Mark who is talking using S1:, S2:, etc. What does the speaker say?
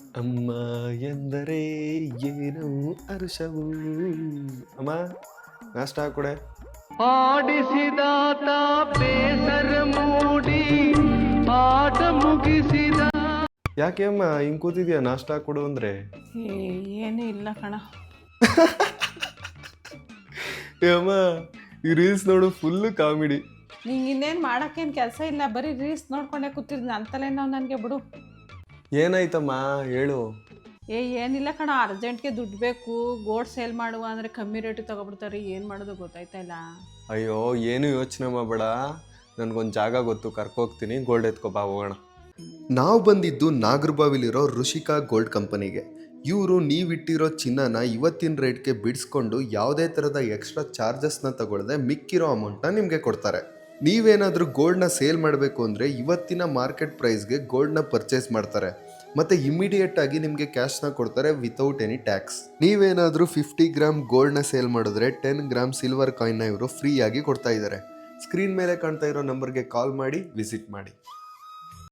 S1: ಅಮ್ಮ ಎಂದರೆ ಏನು ಹರ್ಷವು. ಅಮ್ಮ ನಾಷ್ಟ ಕೊಡೆ.
S2: ಆಡಿಸಿದಾತ ಬೇಸರ ಮೂಡಿ ಆಟ ಮುಗಿಸಿದ.
S1: ಯಾಕೆ ಅಮ್ಮ ಹಿಂಗ್ ಕೂತಿದ್ಯಾ ನಾಷ್ಟ ಕೊಡು ಅಂದ್ರೆ?
S3: ಏನೂ ಇಲ್ಲ ಕಣ.
S1: ಅಮ್ಮ ಈ ರೀಲ್ಸ್ ನೋಡು ಫುಲ್ ಕಾಮಿಡಿ.
S3: ನಿಂಗೆ ಇನ್ನೇನು ಮಾಡೋಕ್ಕೇನು ಕೆಲಸ ಇಲ್ಲ, ಬರೀ ರೀಲ್ಸ್ ನೋಡ್ಕೊಂಡೇ ಕೂತಿರ್ತೀನಿ ಅಂತಲೇ ನಾವು ನನಗೆ ಬಿಡು.
S1: ಏನಾಯ್ತಮ್ಮ ಹೇಳು.
S3: ಏನಿಲ್ಲ ಕಣ, ಅರ್ಜೆಂಟ್ಗೆ ದುಡ್ಡು ಬೇಕು, ಗೋಲ್ಡ್ ಸೇಲ್ ಮಾಡುವ ಅಂದರೆ ಕಮ್ಮಿ ರೇಟಿಗೆ ತೊಗೊಬಿಡ್ತಾರೆ, ಏನು ಮಾಡೋದು ಗೊತ್ತಾಯ್ತಾ ಇಲ್ಲ.
S1: ಅಯ್ಯೋ ಏನು ಯೋಚನೆ ಮಾಡಬೇಡ, ನನಗೊಂದು ಜಾಗ ಗೊತ್ತು, ಕರ್ಕೋಗ್ತೀನಿ, ಗೋಲ್ಡ್ ಎತ್ಕೊಬಾ ಹೋಗೋಣ. ನಾವು ಬಂದಿದ್ದು ನಾಗರಬಾವಿಲಿರೋ ಋಷಿಕಾ ಗೋಲ್ಡ್ ಕಂಪನಿಗೆ. ಇವರು ನೀವಿಟ್ಟಿರೋ ಚಿನ್ನನ ಇವತ್ತಿನ ರೇಟ್ಗೆ ಬಿಡಿಸ್ಕೊಂಡು ಯಾವುದೇ ಥರದ ಎಕ್ಸ್ಟ್ರಾ ಚಾರ್ಜಸ್ನ ತಗೊಳ್ಳದೆ ಮಿಕ್ಕಿರೋ ಅಮೌಂಟ್ನ ನಿಮಗೆ ಕೊಡ್ತಾರೆ. ನೀವೇನಾದರೂ ಗೋಲ್ಡ್ನ ಸೇಲ್ ಮಾಡಬೇಕು ಅಂದರೆ ಇವತ್ತಿನ ಮಾರ್ಕೆಟ್ ಪ್ರೈಸ್ಗೆ ಗೋಲ್ಡ್ನ ಪರ್ಚೇಸ್ ಮಾಡ್ತಾರೆ ಮತ್ತು ಇಮಿಡಿಯೇಟ್ ಆಗಿ ನಿಮಗೆ ಕ್ಯಾಶ್ನ ಕೊಡ್ತಾರೆ ವಿತೌಟ್ ಎನಿ ಟ್ಯಾಕ್ಸ್. ನೀವೇನಾದರೂ 50 ಗ್ರಾಮ್ ಗೋಲ್ಡ್ನ ಸೇಲ್ ಮಾಡಿದ್ರೆ 10 ಗ್ರಾಮ್ ಸಿಲ್ವರ್ ಕಾಯಿನ್ನ ಇವರು ಫ್ರೀಯಾಗಿ ಕೊಡ್ತಾ ಇದ್ದಾರೆ. ಸ್ಕ್ರೀನ್ ಮೇಲೆ ಕಾಣ್ತಾ ಇರೋ ನಂಬರ್ಗೆ ಕಾಲ್ ಮಾಡಿ ವಿಸಿಟ್ ಮಾಡಿ.